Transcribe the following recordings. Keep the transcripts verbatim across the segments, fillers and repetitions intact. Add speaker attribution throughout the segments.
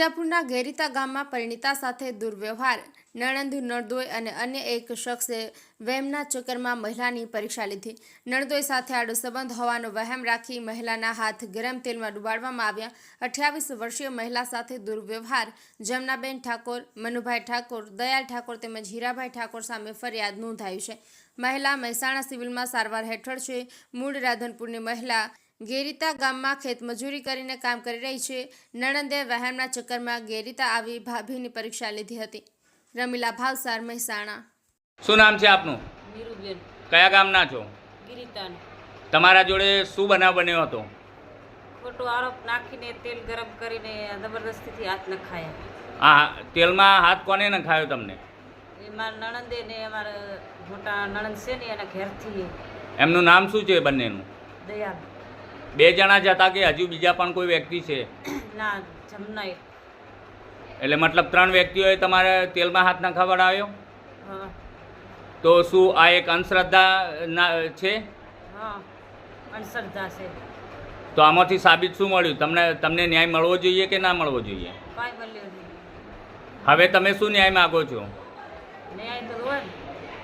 Speaker 1: વિજાપુરના ગેરીતા ગામમાં પરિણીતા સાથે દુર્વ્યવહાર, નણંદ નળદોઈ અને અન્ય એક શખ્સે વહેમના ચક્કરમાં મહિલાની પરીક્ષા લીધી। નળદોઈ સાથે આડો સંબંધ હોવાનો વહેમ રાખી મહિલાના હાથ ગરમ તેલમાં ડુબાડવામાં આવ્યા। અઠ્યાવીસ વર્ષીય મહિલા સાથે દુર્વ્યવહાર જમનાબેન ઠાકોર, મનુભાઈ ઠાકોર, દયાલ ઠાકોર તેમજ હીરાભાઈ ઠાકોર સામે ફરિયાદ નોંધાઈ છે। મહિલા મહેસાણા સિવિલમાં સારવાર હેઠળ છે। મૂળ રાધનપુરની મહિલા ગેરીતા ગામમાં ખેતમજૂરી કરીને કામ કરી રહી છે। નણંદે વહેમના ચક્કરમાં ગેરીતા આવી ભાભીની પરીક્ષા લીધી હતી। રમીલા ભાવસાર, મહેસાણા।
Speaker 2: શું નામ છે આપનું?
Speaker 3: નીરુબેન।
Speaker 2: કયા ગામના છો?
Speaker 3: ગિરિતાન।
Speaker 2: તમારા જોડે શું બનાવ બન્યો હતો?
Speaker 3: ખોટો આરોપ નાખીને તેલ ગરમ કરીને જબરદસ્તીથી હાથ નખાયા।
Speaker 2: આ તેલમાં હાથ કોને નખાયો તમને?
Speaker 3: એમાં નણંદે ને અમારા મોટા નણંદ છે ને એના ઘેરથી।
Speaker 2: એમનું નામ શું છે બંનેનું?
Speaker 3: દયાલ।
Speaker 2: બે જણા જ હતા કે હજુ બીજા પણ કોઈ વ્યક્તિ છે?
Speaker 3: ના, જમનાય।
Speaker 2: એટલે મતલબ ત્રણ વ્યક્તિઓએ તમારે તેલમાં હાથ નખાવડાવ્યો?
Speaker 3: હા
Speaker 2: તો શું આ એક અંધશ્રદ્ધા ના છે?
Speaker 3: હા, અંધશ્રદ્ધા છે।
Speaker 2: તો આમાંથી સાબિત શું મળ્યું? તમને તમને ન્યાય મળવો જોઈએ કે ના મળવો જોઈએ?
Speaker 3: કાંઈ મળ્યો નહીં।
Speaker 2: હવે તમે શું ન્યાય માગો છો?
Speaker 3: ન્યાય તો હોય ને।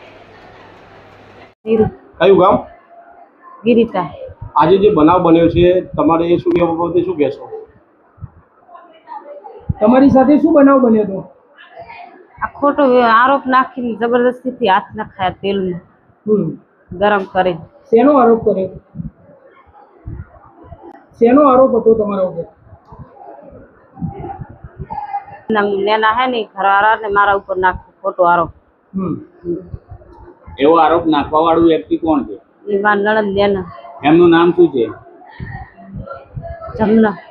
Speaker 4: કયું ગામ?
Speaker 3: ગિરિતા।
Speaker 4: આજે જે બનાવ બન્યો છે તમારે એ શું એ બાબતે શું કહેશો?
Speaker 5: તમારી સાથે શું બનાવ બન્યો હતો?
Speaker 3: આ ખોટો આરોપ નાખીને જબરદસ્તીથી હાથ નખાયા તેલમાં
Speaker 5: હમ
Speaker 3: ગરમ કરી।
Speaker 5: શેનો આરોપ કર્યો? શેનો આરોપ હતો તમારા ઉપર?
Speaker 3: નેના હે ને ઘરવાળા ને મારા ઉપર નાખ્યો ખોટો આરોપ।
Speaker 5: હમ
Speaker 2: એવો આરોપ નાખવા વાળું વ્યક્તિ કોણ છે?
Speaker 3: એ મારા નણંદ નેના।
Speaker 2: એમનું નામ શું છે?
Speaker 3: જમના।